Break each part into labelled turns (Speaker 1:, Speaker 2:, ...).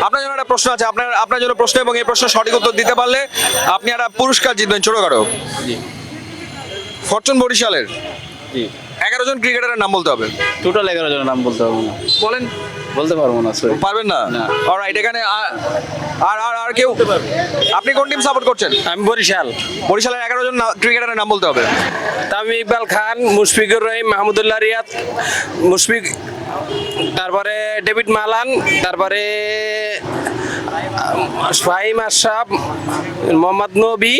Speaker 1: আপনার জন্য একটা প্রশ্ন আছে, আপনার জন্য প্রশ্ন, এবং এই প্রশ্ন সঠিক উত্তর দিতে পারলে আপনি একটা পুরস্কার জিতবেন ছোটখাটো।
Speaker 2: জি
Speaker 1: ফরচুন বরিশালের
Speaker 2: জি
Speaker 1: 11 জন ক্রিকেটারের নাম বলতে হবে।
Speaker 2: টোটাল 11 জনের নাম বলতে পারবো না,
Speaker 1: বলেন।
Speaker 2: বলতে পারবো না, সরি।
Speaker 1: পারবেন না?
Speaker 2: না।
Speaker 1: অলরাইট, এখানে আর কেউ? আপনি কোন টিম সাপোর্ট করছেন?
Speaker 3: আমি বরিশাল।
Speaker 1: বরিশালের 11 জন ক্রিকেটারের নাম বলতে হবে।
Speaker 3: তামিম ইকবাল খান, মুশফিকুর রহিম, মাহমুদুল্লাহ রিয়াদ, মুশফিক, তারপরে ডেভিড মালান, তারপরে ফাহিম আশরাফ, মোহাম্মদ নবী,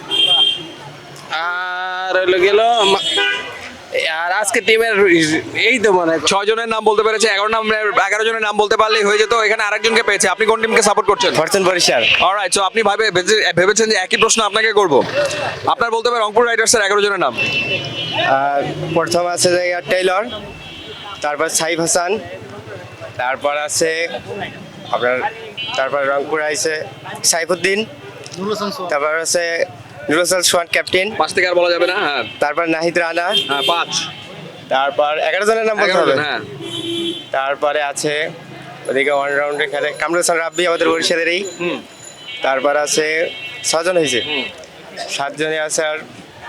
Speaker 3: আর হলো গেল আর আজকে টিমের এই তো মনে হয়
Speaker 1: 6 জনের নাম বলতে পেরেছে, 11 জনের নাম বলতে পারলেই হয়ে যেত। এখানে আরেকজনকে পেয়েছে। আপনি কোন টিমকে সাপোর্ট করছেন?
Speaker 2: ফরচুন বরিশাল।
Speaker 1: অলরাইট, সো আপনি ভেবেছেন যে একই প্রশ্ন আপনাকে করব। আপনার বলতে হবে রংপুর রাইডার্সের 11 জনের নাম।
Speaker 4: প্রথম আছে যে টেইলর, তারপর সাইফ হাসান, তারপর আছে আপনার, তারপর রংপুর আছে সাইফুদ্দিন, তারপর আছে নুরুল হাসান সোহান ক্যাপ্টেন,
Speaker 1: 5 থেকে আর বলা যাবে না। হ্যাঁ
Speaker 4: তারপর নাহিদ রানা,
Speaker 1: হ্যাঁ 5,
Speaker 4: তারপর 11 জনের নাম বলতে
Speaker 1: 11
Speaker 4: হবে।
Speaker 1: জন, হ্যাঁ।
Speaker 4: তারপরে আছে ওদিকে অলরাউন্ডে খেলে কামরুল হাসান রাব্বি, আমাদের বরিশালেরই। তারপর আছে 6 জন হয়েছে, 7 জনে আছে আর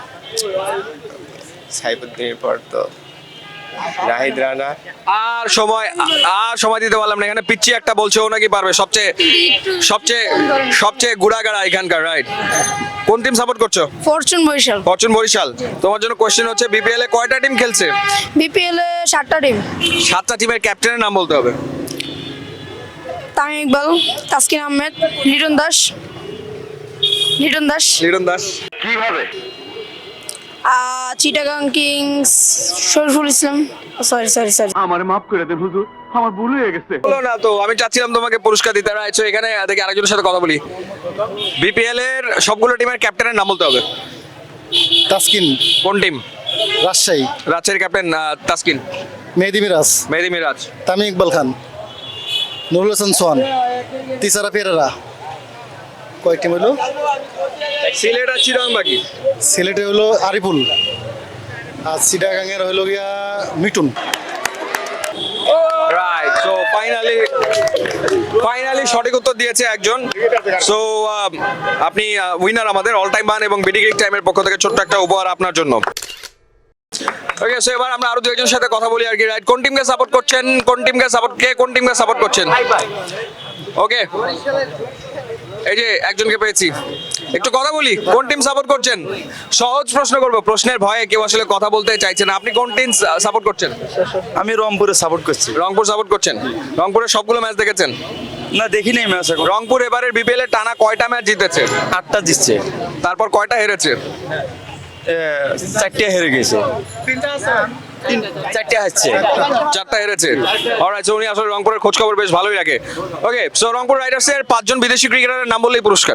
Speaker 4: সাইফুদ্দিনের পর তো নাহিদ রানা।
Speaker 1: আর সময় দিতে পারলাম না। এখানে পিচ্ছি একটা বলছে, ও নাকি পারবে। সবচেয়ে সবচেয়ে সবচেয়ে গুড়াগাড়া এখানকার, রাইট। কোন টিম সাপোর্ট করছো?
Speaker 5: ফরচুন বরিশাল।
Speaker 1: ফরচুন বরিশাল। তোমার জন্য কোশ্চেন হচ্ছে, বিপিএল এ কয়টা টিম খেলছে?
Speaker 5: বিপিএল এ 7টা টিম।
Speaker 1: 7টা টিমের ক্যাপ্টেনের নাম বলতে হবে।
Speaker 5: তামিম ইকবাল, তাসকিন আহমেদ, লিটন দাস।
Speaker 1: লিটন দাস।
Speaker 5: চিটাগাং কিংস, শরীফুল ইসলাম। সরি।
Speaker 1: বলো না তো, আমি চাচ্ছিলাম তোমাকে পুরস্কার দিতে। রাইট, সো এখানে দেখি আরেকজনের সাথে কথা বলি। বিপিএল এর সবগুলো টিমের ক্যাপ্টেনের নাম বলতে হবে।
Speaker 6: তাসকিন,
Speaker 1: কোন টিম?
Speaker 6: রাজশাহী।
Speaker 1: রাজশাহীর ক্যাপ্টেন তাসকিন।
Speaker 6: মেহেদি মিরাজ,
Speaker 1: মেহেদি মিরাজ।
Speaker 6: তামিম ইকবাল খান, নুরুল হাসান সোহান, তিসারা পেরেরা। কয়েক টিম হলো?
Speaker 1: সিলেট আর চিটাগাং বাকি।
Speaker 6: সিলেটে হলো আরিফুল, আর চিটাগাংয়ের হলো গিয়া মিটুন।
Speaker 1: রাইট, সো ফাইনালি সঠিক উত্তর দিয়েছে একজন। সো আপনি উইনার আমাদের অল টাইম বান এবং বিডি ক্রিক টাইমের পক্ষ থেকে ছোট্ট একটা উপহার আপনার জন্য। ওকে, সো এবার আমরা আরো 2 একজনের সাথে কথা বলি আর কি। রাইট, কোন টিমকে সাপোর্ট করছেন? কোন টিমকে সাপোর্ট করছেন? ওকে, এই যে একজনকে পেয়েছি, একটু কথা বলি। কোন টিম সাপোর্ট করছেন? সহজ প্রশ্ন করব, প্রশ্নের ভয়ে কেউ আসলে কথা বলতে চাইছে না। আপনি কোন টিম সাপোর্ট করছেন?
Speaker 4: আমি রংপুরে সাপোর্ট করছি।
Speaker 1: রংপুর সাপোর্ট করছেন। রংপুরের সবগুলো ম্যাচ দেখেছেন?
Speaker 4: না, দেখি নাই ম্যাচ এখন।
Speaker 1: রংপুর এবারের বিপিএল এ টানা কয়টা ম্যাচ জিতেছে?
Speaker 4: 8টা জিতছে,
Speaker 1: তারপর কয়টা হেরেছে?
Speaker 4: 4টে হেরে গেছে। 4টে হারছে।
Speaker 1: 4টা হেরেছে। অলরাইট, সো উনি আসলে রংপুরের খোঁজ খবর বেশ ভালোই রাখে। ওকে, সো রংপুর রাইডার্সের 5 জন বিদেশি ক্রিকেটারের নাম বললেই পুরস্কার।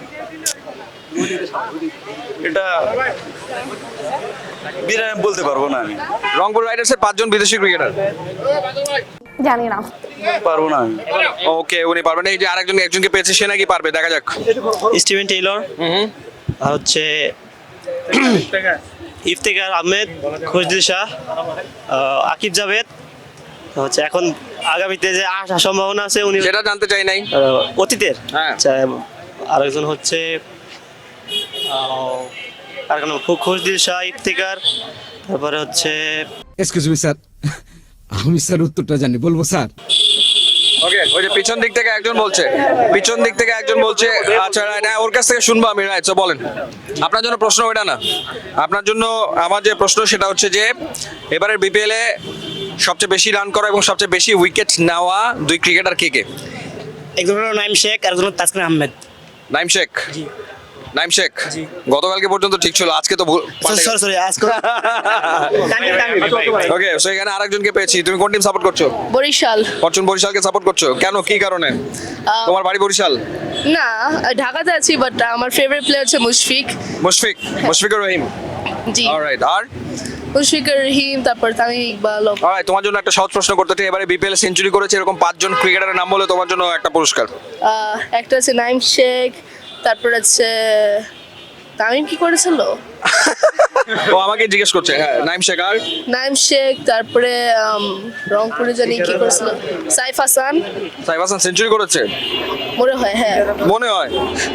Speaker 4: এটা বলতে পারবো না আমি।
Speaker 1: রংপুর রাইডার্সের 5 জন বিদেশি ক্রিকেটার।
Speaker 5: জানি না।
Speaker 4: পারবো না আমি।
Speaker 1: ওকে, উনি পারবেন। এই যে একজনকে পেয়েছে, সে নাকি পারবে, দেখা যাক।
Speaker 7: স্টিভেন টেইলর, আর হচ্ছে ইফতেখার আহমেদ, খুশদিল শাহ, আকিব জাভেদ। হচ্ছে এখন আগামীতে যে আসার সম্ভাবনা আছে উনি
Speaker 1: সেটা জানতে চাই নাই।
Speaker 7: অতীতের।
Speaker 1: হ্যাঁ।
Speaker 7: আচ্ছা, আরেকজন হচ্ছে আর কোনো খুশদিল শাহ, ইফতেখার, তারপরে হচ্ছে
Speaker 8: এক্সকিউজ মি স্যার, আমি স্যার উত্তরটা জানি, বলবো স্যার?
Speaker 1: ওকে, ওই যে পিছন দিক থেকে একজন বলছে। আচ্ছা, না, ওর কাছ থেকে শুনবো আমি। রাইট, সো বলেন। আপনার জন্য প্রশ্ন ওইটা না, আপনার জন্য আমার যে প্রশ্ন সেটা হচ্ছে যে এবারের বিপিএল এ সবচেয়ে বেশি রান করা এবং সবচেয়ে বেশি উইকেট নেওয়া 2 ক্রিকেটার কে কে?
Speaker 7: একজন হলো নাইম শেখ, আর একজন হলো তাসকিন আহমেদ।
Speaker 1: নাইম শেখ গতকালকে পর্যন্ত ঠিক ছিল, আজকে তো
Speaker 7: সরি আজকে
Speaker 1: ওকে, সো এখানে আরেকজনকে পেয়েছি। তুমি কোন টিম সাপোর্ট করছো?
Speaker 5: বরিশাল।
Speaker 1: ফরচুন বরিশালকে সাপোর্ট করছো কেন, কি কারণে? তোমার বাড়ি বরিশাল?
Speaker 5: না, ঢাকাতে আছি, বাট আমার ফেভারিট প্লেয়ার হচ্ছে
Speaker 1: মুশফিকুর রহিম।
Speaker 5: জি,
Speaker 1: অলরাইট, আর
Speaker 5: মুশফিকুর রহিম, তারপর তামিম ইকবাল।
Speaker 1: অলরাইট, তোমার জন্য একটা সহজ প্রশ্ন করতে চাই। এবারে বিপিএল এ সেঞ্চুরি করেছে এরকম 5 জন ক্রিকেটারের নাম বলে তোমার জন্য একটা পুরস্কার।
Speaker 5: একটা আছে নাইম শেখ, তারপর আছে তামিম কি করেছিল?
Speaker 1: ও আমাকে জিজ্ঞেস করছে। হ্যাঁ, নাইম শেখ আর
Speaker 5: নাইম শেখ, তারপরে রংপুরে জানি কি করেছিল, সাইফ হাসান
Speaker 1: সাইফ হাসান সেঞ্চুরি করেছে
Speaker 5: মনে হয়। হ্যাঁ,
Speaker 1: মনে হয়।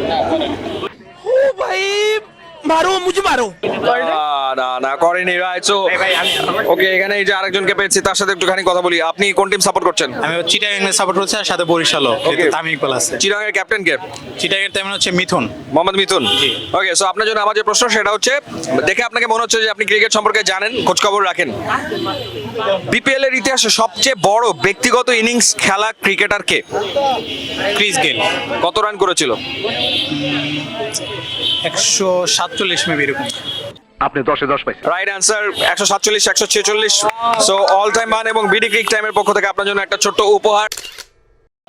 Speaker 1: না না করেনি, রাইট। সো ওকে, এখানে এই যে আরেকজনকে পেয়েছি, তার সাথে একটুখানি কথা বলি। আপনি কোন টিম সাপোর্ট করছেন?
Speaker 9: আমি চিটাগাং এর সাপোর্ট করছি আর সাথে বরিশালও,
Speaker 1: Okay.
Speaker 9: তামিম ইকবাল আছে।
Speaker 1: চিটাগাং এর ক্যাপ্টেন কে?
Speaker 9: চিটাগাং এর তেমন হচ্ছে মিথুন।
Speaker 1: মোহাম্মদ মিথুন। ওকে, সো আপনার জন্য আমার যে প্রশ্ন সেটা হচ্ছে, দেখে আপনাকে মনে হচ্ছে যে আপনি ক্রিকেট সম্পর্কে জানেন, খোঁজ খবর রাখেন। বিপিএল এর ইতিহাসে সবচেয়ে বড় ব্যক্তিগত ইনিংস খেলা ক্রিকেটার কে?
Speaker 9: ক্রিস গেল
Speaker 1: কত রান করেছিল?
Speaker 9: 147 মেবি এরকম।
Speaker 1: Right answer 147, 146। So all time man এবং বিডি ক্রিক টাইমের পক্ষ থেকে আপনার জন্য একটা ছোট্ট উপহার।